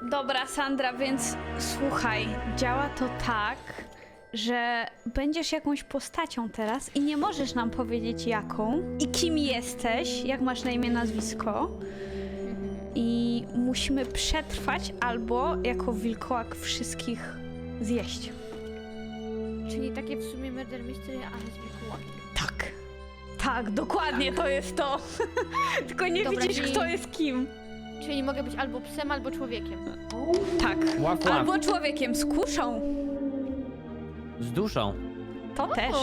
Dobra, Sandra, więc słuchaj, działa to tak, że będziesz jakąś postacią teraz i nie możesz nam powiedzieć jaką i kim jesteś, jak masz na imię, nazwisko. I musimy przetrwać albo jako wilkołak wszystkich zjeść. Czyli takie w sumie murder mystery, ale z wilkołakiem. Tak. Tak, dokładnie to jest to. Tylko nie Dobra, widzisz, czyli- kto jest kim. Czyli mogę być albo psem, albo człowiekiem. Tak. Łap, łap. Albo człowiekiem z kuszą. Z duszą. To też.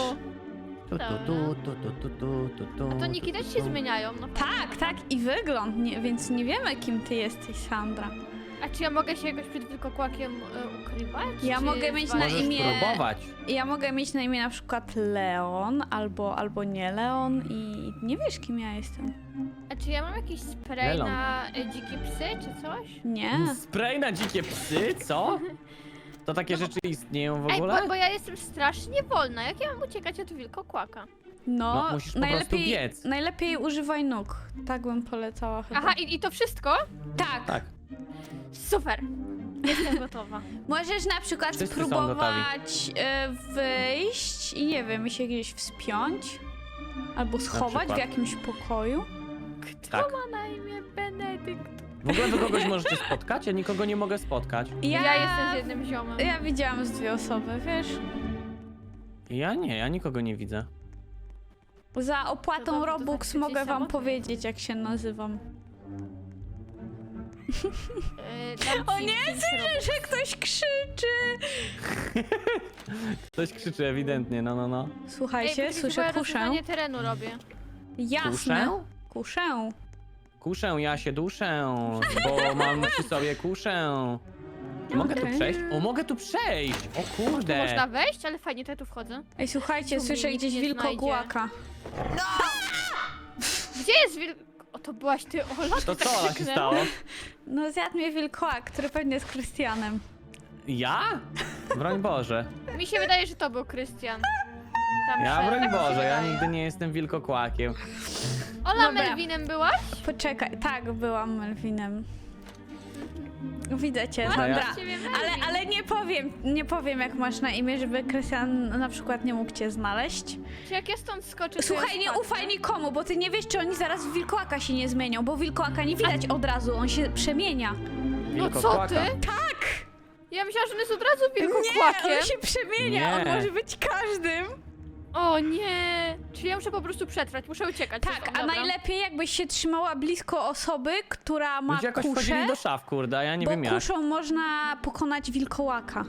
A to niki też się zmieniają. No. Tak, tak, i wygląd, więc nie wiemy, kim ty jesteś, Sandra. A czy ja mogę się jakoś przed wilkokłakiem ukrywać? Ja czy mogę mieć na Możesz imię... próbować. Ja mogę mieć na imię na przykład Leon, albo nie Leon i nie wiesz, kim ja jestem. A czy ja mam jakiś spray Melon. na dzikie psy, czy coś? Nie. Spray na dzikie psy, co? To takie rzeczy istnieją w Ej, ogóle? bo ja jestem strasznie wolna. Jak ja mam uciekać od wilkokłaka? No, No, musisz po prostu biec. najlepiej używaj nóg. Tak bym polecała chyba. Aha, i to wszystko? Tak. Tak. Super. Jestem gotowa. Możesz na przykład Wszyscy są spróbować wyjść i nie wiem, i się gdzieś wspiąć. Albo schować w przykład. jakimś pokoju. Kto Tak. ma na imię Benedykt? W ogóle wy kogoś możecie spotkać? Ja nikogo nie mogę spotkać. Ja jestem z jednym ziomem. Ja widziałam z 2 osoby, wiesz? Ja nie, ja nikogo nie widzę. Za To opłatą dobrze, to Robux tak mogę wam samotnie. powiedzieć, jak się nazywam. Dam O ci nie, 5 słyszę, że ktoś krzyczy! Ktoś krzyczy ewidentnie, no. Słuchajcie, Ej, słyszę ja kuszę. rozwiązanie terenu robię. Jasne. Kuszę? Kuszę. Kuszę, ja się duszę, bo mam przy sobie kuszę. Mogę tu Okej. przejść? O, mogę tu przejść! O Tu kurde! można wejść, ale fajnie, to ja tu wchodzę. Ej, słuchajcie, Tu mnie słyszę nikt gdzieś nie wilkogłaka. Gdzie jest O, to byłaś ty, Ola? To tak co Ola się krzyknęła. stało? No zjadł mnie wilkołak, który pewnie jest Krystianem. Ja? Broń Boże. Mi się wydaje, że to był Krystian. Tam Ja, szedł, broń tak mi się Boże, ja wydaje. nigdy nie jestem wilkokłakiem. Ola, Dobra. Melvinem byłaś? Poczekaj, tak, byłam Melvinem. Widzę cię, Dobra, ja- Sandra. Ciebie Melvin. Ale nie powiem jak masz na imię, żeby Krystian na przykład nie mógł cię znaleźć. Czy jak ja stąd skoczę, to Słuchaj, ja nie spadnę? ufaj nikomu, bo ty nie wiesz, czy oni zaraz w wilkołaka się nie zmienią, bo wilkołaka nie widać od razu, on się przemienia. No co Wilkokłaka. ty? Tak! Ja myślałam, że on jest od razu Nie, wilkokłakiem. on się przemienia, on Nie. może być każdym. O nie! Czyli ja muszę po prostu przetrwać, muszę uciekać. Tak, a Dobra. najlepiej jakbyś się trzymała blisko osoby, która ma Ludzie jakoś kuszę, wchodzili do szaf, kurde, a ja nie bo wiem jak. kuszą można pokonać wilkołaka.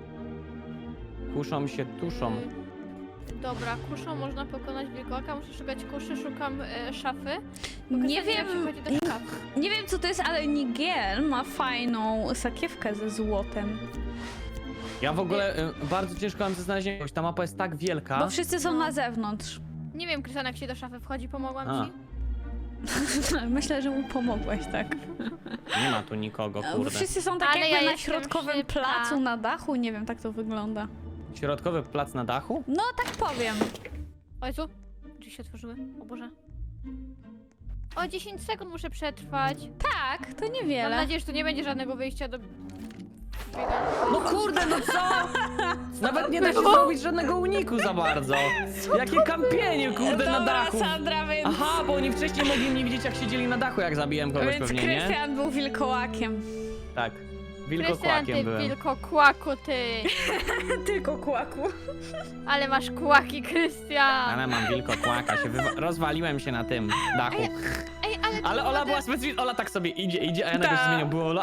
Kuszą się, tuszą. Dobra, kuszą można pokonać wilkołaka, muszę szukać kuszy, szukam szafy. Nie Pokazanie, jak się wiem, chodzi do szafy. nie wiem co to jest, ale Nigel ma fajną sakiewkę ze złotem. Ja w ogóle bardzo ciężko mam to znaleźć, jakoś ta mapa jest tak wielka. Bo wszyscy są No. na zewnątrz. Nie wiem, Krystian, jak się do szafy wchodzi, pomogłam A. ci? Myślę, że mu pomogłeś, tak. Nie ma tu nikogo, kurde. Wszyscy są tak Ale jakby ja na jestem środkowym szybka. placu, na dachu, nie wiem, tak to wygląda. Środkowy plac na dachu? No, tak powiem. O Jezu, drzwi się otworzyły, o Boże. O, 10 sekund muszę przetrwać. Tak, to Mam niewiele. nadzieję, że tu nie będzie żadnego wyjścia do... No kurde, no co? Nawet nie da się zrobić żadnego uniku za bardzo. Jakie kampienie, kurde, na Dobra, dachu. Sandra, więc... Aha, bo oni wcześniej mogli mnie widzieć, jak siedzieli na dachu, jak zabiłem kogoś Więc pewnie, nie? Krystian był wilkołakiem. Tak. Krystian, Wilkokłakiem ty byłem. wilkokłaku, ty. Tylko kłaku. Ale masz kłaki, Krystian. Ale mam wilkokłaka, rozwaliłem się na tym dachu. Ej, ale... Ale Ola była specjalnie, Ola tak sobie idzie, a ja nagle się Tak. zmieniam, było Ola.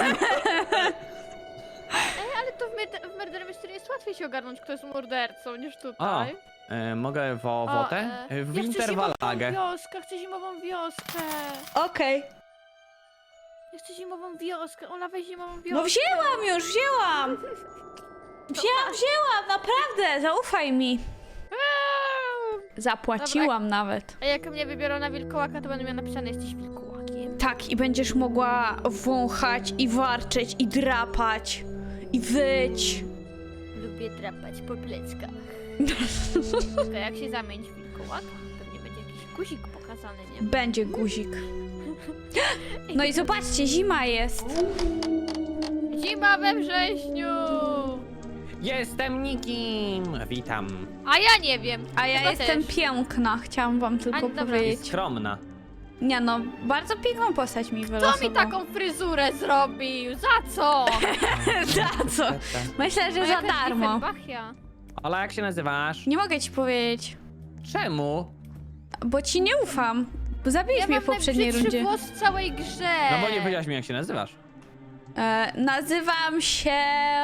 Ej, ale to w Murder Mystery jest łatwiej się ogarnąć, kto jest mordercą, niż tutaj. Mogę wotę? W Ja chcę Winterwalagę. zimową wioskę, chcę zimową wioskę. Okej. Ja chcę zimową wioskę, Ola, weź zimową wioskę. No wzięłam już, wzięłam. Wzięłam, naprawdę, zaufaj mi. Zapłaciłam nawet. A jak mnie wybiorą na wilkołaka, to będę miała napisane, jesteś wilkołakiem. Tak, i będziesz mogła wąchać i warczeć i drapać i wyć. Lubię drapać po pleckach. Tylko jak się zamienić w wilkołaka, pewnie będzie jakiś guzik pokazany, nie? Będzie guzik. No i zobaczcie, zima jest. Zima we wrześniu! Jestem nikim! Witam. A ja nie wiem. A ja Chyba jestem też. piękna, chciałam wam tylko dobra. I powiedzieć. skromna. Nie no, bardzo piękną postać mi Kto wylosował. mi taką fryzurę zrobił? Za co? Za co? Myślę, że No za jakaś darmo. Diefenbachia. Ola, jak się nazywasz? Nie mogę ci powiedzieć, Czemu? bo ci nie ufam. Bo zabiłeś Ja mnie mam w poprzedniej najbrzydszy rundzie. włos w całej grze. No bo nie powiedziałaś mi, jak się nazywasz. Nazywam się...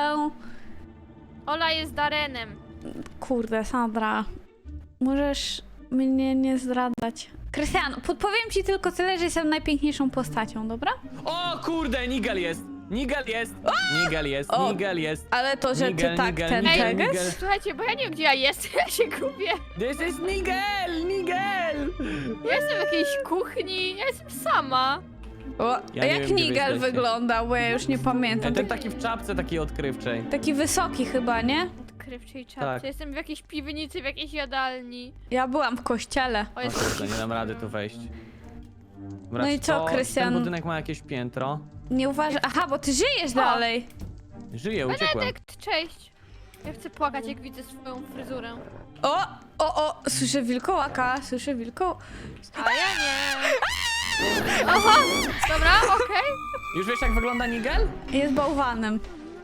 Ola jest Darenem. Kurde, Sandra. Możesz mnie nie zdradzać. Krystian, podpowiem ci tylko tyle, że jestem najpiękniejszą postacią, dobra? O kurde, Nigel jest! Nigel jest! Nigel jest, O! Nigel jest! Ale to, że Nigel, ty tak Nigel, ten Nigel, teges? Nigel. Słuchajcie, bo ja nie wiem, gdzie ja jestem. Ja się gubię. This is Nigel! Nigel! Ja jestem w jakiejś kuchni. Ja jestem sama. O, Ja nie jak wiem, gdzie wy Nigel jesteście. wygląda, bo ja już nie pamiętam. Ten taki w czapce takiej odkrywczej. Taki wysoki chyba, nie? Odkrywczej czapce. Tak. Jestem w jakiejś piwnicy, w jakiejś jadalni. Ja byłam w kościele. O, O jest... kurde, nie dam rady tu wejść. Dobra, No i czy co, to- Krystian? Ten budynek ma jakieś piętro. Nie uważaj. Aha, bo ty żyjesz O. dalej. Żyję, uciekłem. Benedekt, cześć. Ja chcę płakać, jak widzę swoją fryzurę. O, słyszę wilkołaka, słyszę wilkoł. A ja nie. Aha, dobra, okej. Już wiesz, jak wygląda Nigel? Jest bałwanem.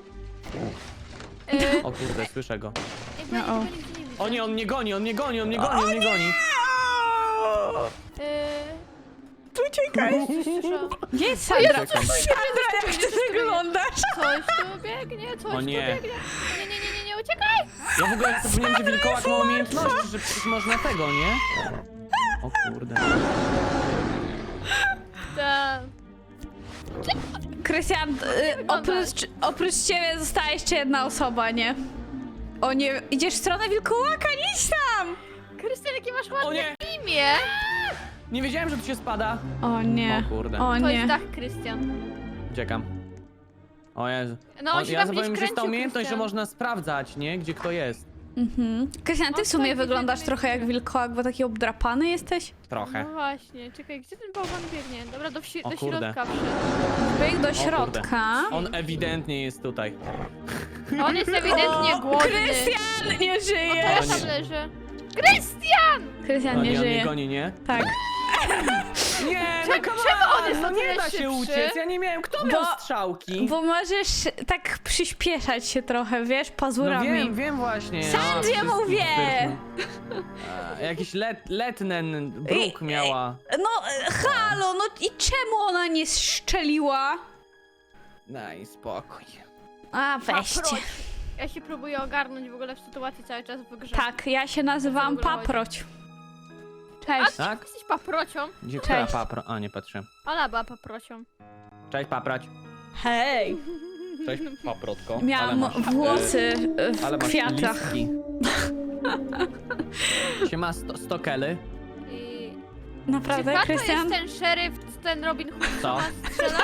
O kurde, słyszę go. Jakby ja No, o. nigdy nie widzę. O nie, on mnie goni, on mnie goni, on mnie goni, on mnie goni. Uciekaj. Słyszałam. Gdzie jest Sandra? Czekam. Sandra, jak ty wyglądasz? Coś tu biegnie, coś O tu nie. biegnie. Nie, uciekaj! Ja w ogóle zapomniałem, że wilkołak ma umiejętności, że przecież można tego, nie? O kurde. Ta. Krystian, oprócz ciebie została jeszcze jedna osoba, nie? O nie, idziesz w stronę wilkołaka, nie idź tam! Krystian, jakie masz O ładne nie, imię! nie wiedziałem, że tu się spada. O nie, O kurde. o To jest nie. dach, Krystian. Uciekam. O Jezu. No, on się Ja tam zapomniałem, gdzieś że jest ta kręcił, umiejętność, że Krystian. można sprawdzać, nie? Gdzie kto jest. Krystian, ty w O, sumie tak, wyglądasz widzę, trochę jak widzę. wilkołak, bo taki obdrapany jesteś. Trochę. No właśnie, czekaj, gdzie ten bałwan biegnie? Dobra, do O do kurde. środka wszedł. Bieg do kurde. środka. On ewidentnie jest tutaj. On jest ewidentnie głodny. Krystian nie O, to żyje! ja tam leżę. Krystian! Krystian O nie nie, on mnie żyje. goni, nie? Tak. Nie, no come czemu on jest no o nie tyle da się szybszy? uciec, ja nie miałem. Kto miał Bo- strzałki? Bo możesz tak przyspieszać się trochę, wiesz, No pazurami. wiem właśnie. Sandzie wszystkich mówię! A, jakiś letnen bruk miała. No, halo, no i czemu ona nie strzeliła? Daj spokój. A, weźcie. Paproć. Ja się próbuję ogarnąć w ogóle w sytuacji cały czas w grze. Tak, ja się nazywam O co w ogóle Paproć. A Cześć. ty Tak? jesteś paprocią? Gdzie Cześć. która papro? A, nie patrzę. Ona była paprocią. Cześć paprać. Hej. Cześć paprotko. Miałam włosy w ale masz kwiatach. listki. Siema stokely. I... Naprawdę, Czy Pato Krystian? jest ten szeryf, ten Robin Hood, Co? co nas strzela?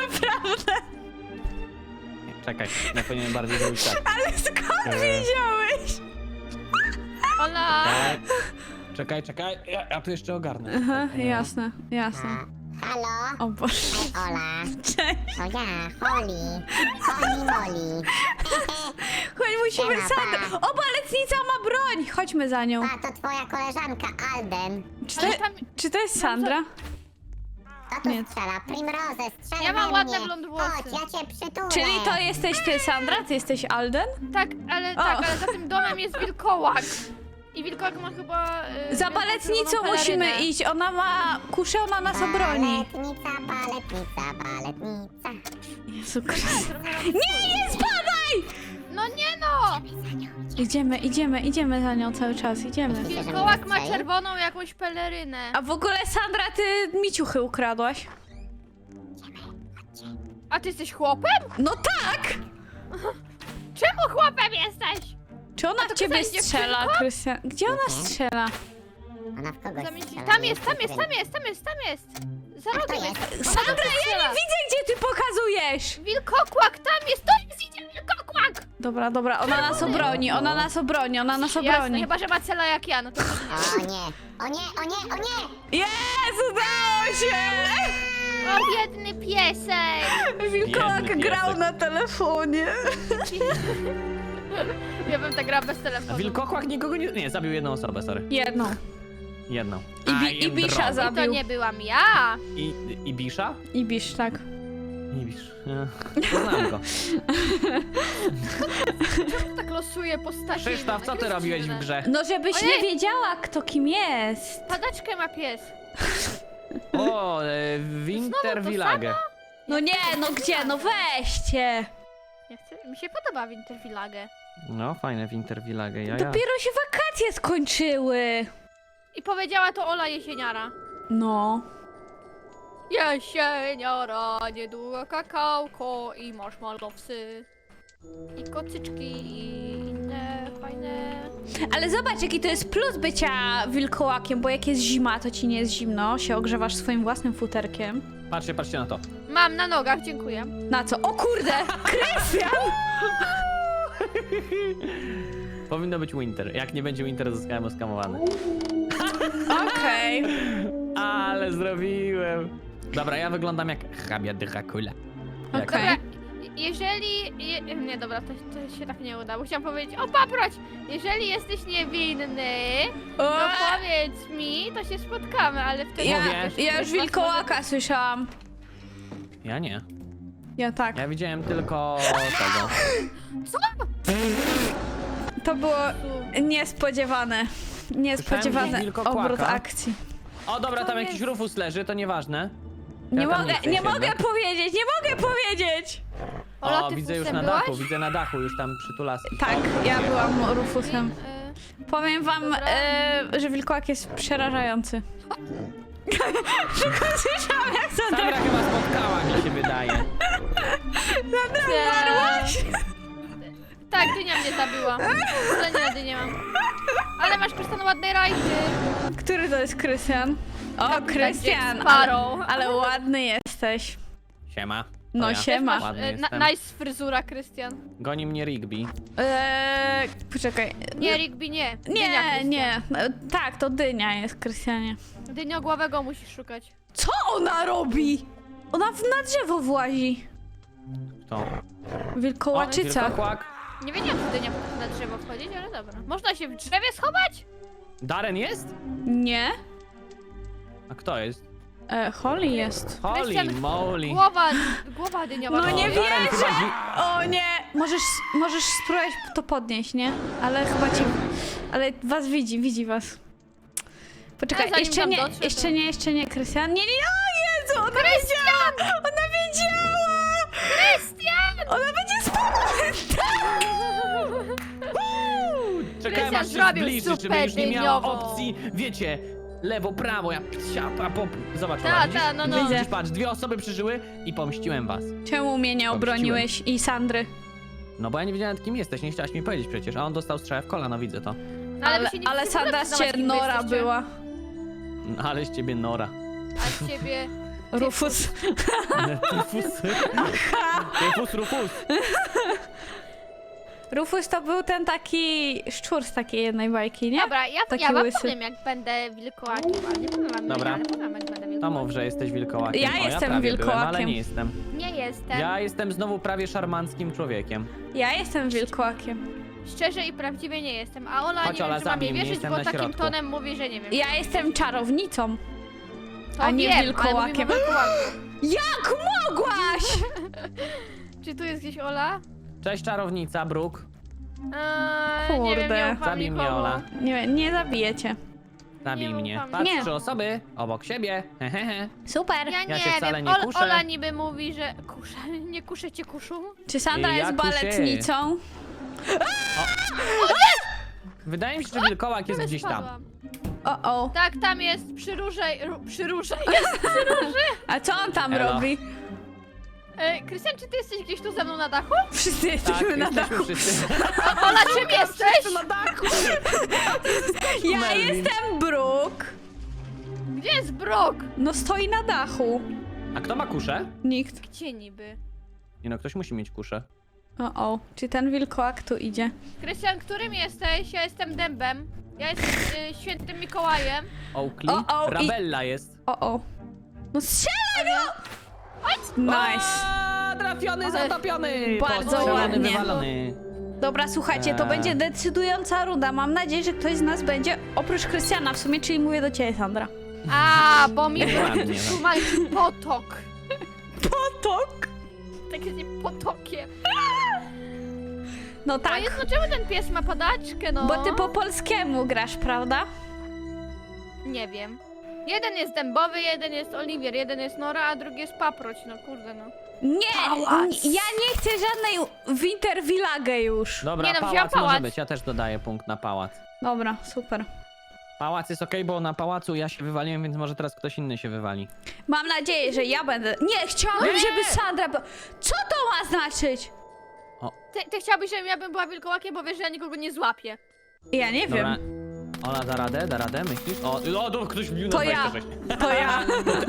Nie, czekaj, ja powinienem bardziej zrobić tak. Ale skąd wiedziałeś? Ona... Czekaj, ja tu jeszcze ogarnę. Aha, jasne, jasne. Halo, O Boże. Ola, Cześć. to ja, Holly, Molly. Chodź, musimy... Siema, Sandra! O, baletnica ma broń! Chodźmy za nią. A to twoja koleżanka Alden. Ale tam... Czy to jest Sandra? Kto tu Nie. strzela? Primrose, strzel Ja mam we ładne mnie. blond włosy. Chodź, ja cię przytulę. Czyli to jesteś ty, Sandra? Ty jesteś Alden? Tak, ale O. za tym domem jest wilkołak. I wilkołak ma chyba... Za wielką baletnicą czerwoną musimy pelerynę. iść. Ona ma kuszę, ona nas obroni. Baletnica. Jezu Chryste. Nie spadaj! No nie no! Idziemy za nią cały czas, idziemy. Wilkołak ma czerwoną jakąś pelerynę. A w ogóle Sandra, ty mi ciuchy ukradłaś. A ty jesteś chłopem? No tak! Czemu chłopem jesteś? Czy ona w ciebie Krystian, strzela, dziewczynko? Krystian? Gdzie ona strzela? Ona w kogoś strzela. Tam jest. Za A kto rogiem jest? jest. Sandra, ja nie widzę, gdzie ty pokazujesz! Wilkokłak, tam jest, to jest, idzie wilkokłak! Dobra, ona nas obroni, ona nas Jasne, obroni. chyba, że ma cela jak ja, no to... O nie, o nie, o nie, o nie! Jest, udało się! O, biedny piesek! Wilkołak Biedny grał piesek. na telefonie. Ja bym tak grała bez A telefonu. wilkokłak nikogo nie... Nie, zabił jedną osobę, sorry. Jedną. Jedną. I Bisza I to zabił. nie byłam ja! I Bisza? I Bisz, tak. Nie Bisz. Znam go. Tak losuję postaci. Krzysztof, co ty robiłeś w grze? No żebyś Ojej! nie wiedziała, kto kim jest. Padaczkę ma pies. O, Winter to Village. No nie, no gdzie? No weźcie. Nie chcę. Mi się podoba Winter Village. No, fajne Winter Village, ja. Dopiero się wakacje skończyły. I powiedziała to Ola Jesieniara. No. Jesieniara, niedługo kakałko i marshmallowsy. I kocyczki i inne fajne... Ale zobacz, jaki to jest plus bycia wilkołakiem, bo jak jest zima, to ci nie jest zimno, się ogrzewasz swoim własnym futerkiem. Patrzcie na to. Mam na nogach, dziękuję. Na co? O kurde! Krystian! Powinno być Winter. Jak nie będzie Winter, zostałem oskamowany. Okej. Ale zrobiłem. Dobra, ja wyglądam jak hrabia Dracula. Jak- Okej. Dobra, jeżeli... Nie, dobra, to się tak nie uda, bo chciałam powiedzieć, o paproć, jeżeli jesteś niewinny, to powiedz mi, to się spotkamy, ale wtedy... Ja, Mówię. ja już wilkołaka słyszałam. Ja nie. Ja tak. Ja widziałem tylko tego. To było niespodziewane. Niespodziewany wilkokłaka. obrót akcji. O, dobra, To tam jest- jakiś Rufus leży, to nieważne. Nie Ja tam mogę, chcę nie się mogę jednak. powiedzieć, nie mogę powiedzieć! Ola, O, ty widzę już fusem na dachu, byłaś? widzę na dachu już tam przytulaski. Tak, ja byłam Rufusem. Y, Powiem wam, Dobra. że wilkołak jest przerażający. Tylko słyszałam jak Sandra Sandra... chyba spotkała, mi się wydaje. Tak, dynia mnie zabiła. Ale nie, dynię mam. Ale masz Krystian ładne rajdy. Który to jest Krystian? O, Kapitan Krystian! Jack Sparrow. Ale ładny jesteś. Siema. To No ja. siema. Masz Ładny jestem. nice fryzura, Krystian. Goni mnie Rigby. Poczekaj. Nie, Rigby nie. Dynia, Nie, Krystian. nie. Tak, to dynia jest, Krystianie. Dyniogłowego musisz szukać. Co ona robi? Ona na drzewo włazi. To. Wilkołaczyca. Wilkokłak. Nie wiedziałam, że dynia potrafi na drzewo wchodzić, ale dobra. Można się w drzewie schować? Darren jest? Nie. A kto jest? Holly jest. Holy Krystian, moly. Głowa dyniowa. No nie wchodzi. Darren wierzę! chyba dzi- O nie! Możesz spróbować to podnieść, nie? Ale chyba cię... Ale was widzi was. Poczekaj, A zanim jeszcze tam nie, dotrze, jeszcze to- nie, jeszcze nie, Krystian. Nie, o Jezu, ona wiedziała! Ona wiedziała! Krystian! Ona będzie spokojna! Czekałem aż się zrobił zbliży, żeby super już nie miała dyniową. opcji, wiecie, lewo, prawo, ja psia, pop. Zobacz, Ta, Ola, widzisz? ta, no, no. Widzisz, Widzę. patrz, 2 osoby przeżyły i pomściłem was. Czemu mnie nie obroniłeś i Sandry? No bo ja nie wiedziałem, kim jesteś, nie chciałaś mi powiedzieć przecież, a on dostał strzałę w kolano, widzę to. No, ale wy się nie Ale chcecie Sandra przyznawać, z kim wy Nora jesteście. była. No, ale z ciebie Nora. A z ciebie... Rufus. Rufus. Rufus to był ten taki szczur z takiej jednej bajki, nie? Dobra, Taki ja wam łysy. powiem, jak będę wilkołakiem, ale nie powiem wam, Dobra. ale powiem, jak będę To wilkołakiem. mów, że jesteś wilkołakiem. Ja O, jestem prawie byłem, ale wilkołakiem. nie jestem. Nie jestem. Ja jestem znowu prawie szarmanckim człowiekiem. Ja jestem wilkołakiem. Szczerze i prawdziwie nie jestem, a Ola Chodź, nie Ola, wiem, czy mam zabij jej mnie, wierzyć, jestem bo na takim środku. tonem mówi, że nie wiem. Ja jestem czarownicą. To a nie wiem, wilkołakiem. Ale mówimy o wilkołaku. Jak mogłaś? Czy tu jest gdzieś Ola? Cześć czarownica, Brooke. Nie wiem, Kurde. nie ufam Zabij mnie, nikomu. Ola. Nie zabijecie. Zabij Nie mnie. ufam. Patrz, Nie. 3 osoby obok siebie. Hehehe. Super. Ja Ja nie się wcale wiem, nie kuszę. Ola niby mówi, że kuszę, nie kuszę cię kuszu. Czy Sandra Ja jest kuszę. baletnicą? Wydaje mi się, że wilkołak jest Ale gdzieś tam. spadłam. O. Tak, tam jest przy różej, przy różej jest. A co on tam Elo. robi? Krystian, czy ty jesteś gdzieś tu ze mną na dachu? Wszyscy Tak, jesteśmy na jesteśmy dachu. wszyscy. Ola, czym jesteś? na dachu. Ja Melvin. jestem Brooke. Gdzie jest Brok? No stoi na dachu. A kto ma kuszę? Nikt. Gdzie niby? Nie no, ktoś musi mieć kuszę. O. Czy ten wilkołak tu idzie? Krystian, którym jesteś? Ja jestem Dębem. Ja jestem świętym Mikołajem. Oakley? O, Rabella jest. O. No strzelaj no! Nice. A, trafiony, zatopiony! Bardzo Postrzelony, ładnie. wywalony. Dobra, słuchajcie, to będzie decydująca runda. Mam nadzieję, że ktoś z nas będzie, oprócz Krystiana w sumie, czyli mówię do ciebie, Sandra. A, bo mi Ładnie, tu ma potok. Potok? Tak jest potokiem. No A tak, jest, no czemu ten pies ma padaczkę, no? bo ty po polskiemu grasz, prawda? Nie wiem. Jeden jest dębowy, jeden jest Oliwier, jeden jest Nora, a drugi jest paproć, no kurde no. Nie, ja nie chcę żadnej Winter Village już. Dobra, Nie no, wziąłem pałac może pałac. być, ja też dodaję punkt na pałac. Dobra, super. Pałac jest okej, bo na pałacu ja się wywaliłem, więc może teraz ktoś inny się wywali. Mam nadzieję, że ja będę... Nie, chciałabym, Nie! żeby Sandra... Co to ma znaczyć? Ty chciałbyś, żebym ja była wilkołakiem, bo wiesz, że ja nikogo nie złapię. Ja nie Dobra. wiem. Ola, da radę, myślisz? O, ktoś wbił na To ja. 26. To ja.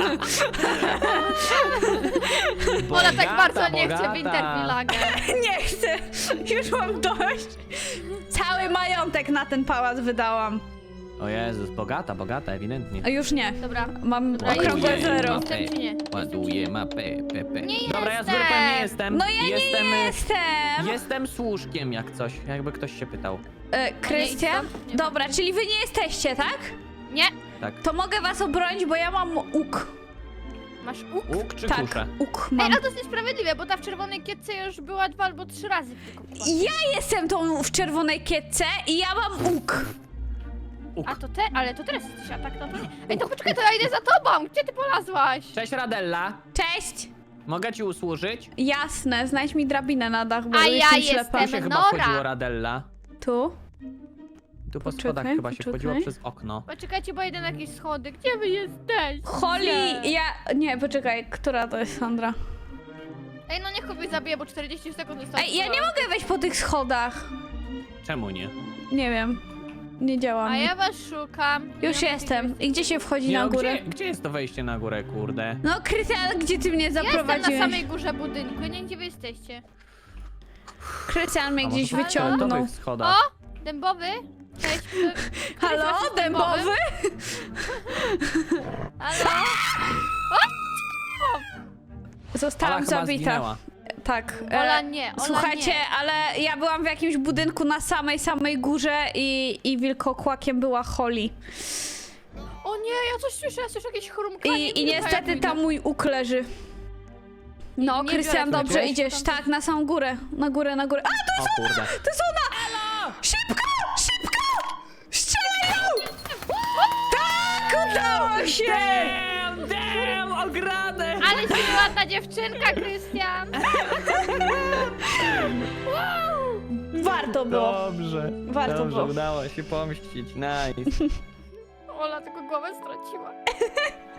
Ola tak bardzo nie bogata. chce Winter Village. Nie chcę. Już mam dość. Cały majątek na ten pałac wydałam. O Jezus, bogata, ewidentnie. A już nie. Dobra. Mam Dobra, okrągłe ładuję zero. mapę, Jestem czy nie? ładuję mapę, Nie Dobra, ja z jestem. grupą nie jestem. No ja jestem, nie jestem. Jestem służkiem jak coś, jakby ktoś się pytał. Krystian? Nie. Dobra, czyli wy nie jesteście, tak? Nie. Tak. To mogę was obronić, bo ja mam łuk. Masz łuk? Łuk czy Tak, kuszę? łuk Ej, mam. a to jest niesprawiedliwe, bo ta w czerwonej kietce już była 2 albo 3 razy tylko. Ja jestem tą w czerwonej kietce i ja mam łuk. A to ale to teraz jesteś, a tak no to nie. Ej, to poczekaj, to ja idę za tobą! Gdzie ty polazłaś? Cześć Radella, Cześć. mogę ci usłużyć? Jasne, znajdź mi drabinę na dach, bo A jestem ja ślepa. jestem- Tu się chyba Nora. wchodziło Radella. Tu? Tu po Poczekaj, schodach chyba się poczekaj. wchodziło przez okno. Poczekajcie, bo idę na jakieś schody. Gdzie wy jesteście? Holly, ja... Nie, poczekaj, która to jest Sandra? Ej, no niech kogoś zabije, bo 40 sekund zostało. Ej, ja nie mogę wejść po tych schodach. Czemu nie? Nie wiem. Nie działa A mi. ja was szukam. Nie Już wiem, jestem. I gdzie się wchodzi Nie, na no, górę? Gdzie jest to wejście na górę, kurde? No, Krystian, gdzie ty mnie Jestem zaprowadziłeś? na samej górze budynku, nie wiem, gdzie wy jesteście. Krystian mnie A gdzieś może po wyciągnął. fioletowych O! schodach. Dębowy? Cześć. Halo, Jesteś dębowy? Halo? Zostałam Ola chyba zabita. zginęła. Tak. Ola nie, Ola Słuchajcie, nie. ale ja byłam w jakimś budynku na samej górze i wilkokłakiem była Holly. O nie, ja coś słyszę, ja słyszę jakieś chrumkanie. I niestety tam mój łuk leży. No, nie Krystian, biorę dobrze tego. idziesz. Tak, na samą górę. Na górę, na górę. A, O kurde. to jest ona! Szybko! Szybko! Strzelaj ją! Tak, udało się! Damn, ogradę! Ale się ładna dziewczynka, Krystian. Warto było. Dobrze. Warto Dobrze, było. udało się pomścić. Nice. Ola tylko głowę straciła.